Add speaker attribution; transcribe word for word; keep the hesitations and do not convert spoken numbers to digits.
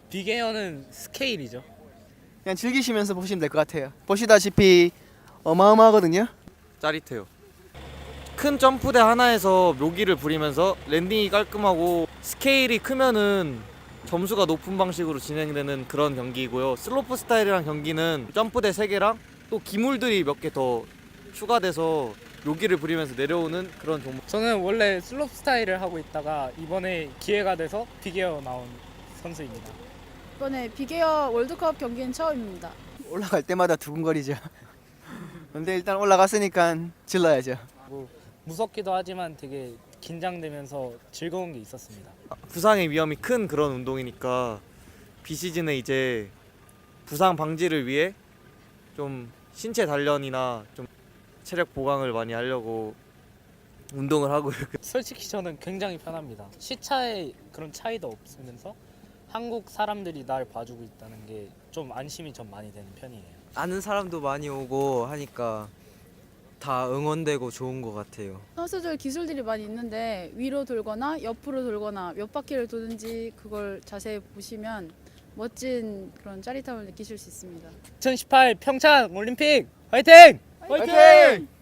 Speaker 1: 빅에어는 스케일이죠.
Speaker 2: 그냥 즐기시면서 보시면 될 것 같아요. 보시다시피 어마어마하거든요.
Speaker 3: 짜릿해요. 큰 점프대 하나에서 묘기를 부리면서 랜딩이 깔끔하고 스케일이 크면은 점수가 높은 방식으로 진행되는 그런 경기이고요. 슬로프 스타일이랑 경기는 점프대 세 개랑 또 기물들이 몇 개 더 추가돼서 묘기를 부리면서 내려오는 그런 종목.
Speaker 1: 저는 원래 슬롭 스타일을 하고 있다가 이번에 기회가 돼서 빅에어 나온 선수입니다.
Speaker 4: 이번에 빅에어 월드컵 경기는 처음입니다.
Speaker 2: 올라갈 때마다 두근거리죠. 근데 일단 올라갔으니까 질러야죠.
Speaker 1: 뭐 무섭기도 하지만 되게 긴장되면서 즐거운 게 있었습니다.
Speaker 3: 부상의 위험이 큰 그런 운동이니까 비시즌에 이제 부상 방지를 위해 좀 신체 단련이나 좀 체력 보강을 많이 하려고 운동을 하고 있고요.
Speaker 1: 솔직히 저는 굉장히 편합니다. 시차에 그런 차이도 없으면서 한국 사람들이 날 봐주고 있다는 게 좀 안심이 좀 많이 되는 편이에요.
Speaker 5: 아는 사람도 많이 오고 하니까 다 응원되고 좋은 것 같아요.
Speaker 4: 선수들 기술들이 많이 있는데 위로 돌거나 옆으로 돌거나 몇 바퀴를 도는지 그걸 자세히 보시면 멋진 그런 짜릿함을 느끼실 수 있습니다.
Speaker 1: 이천십팔 평창 올림픽 화이팅!
Speaker 2: 화이팅!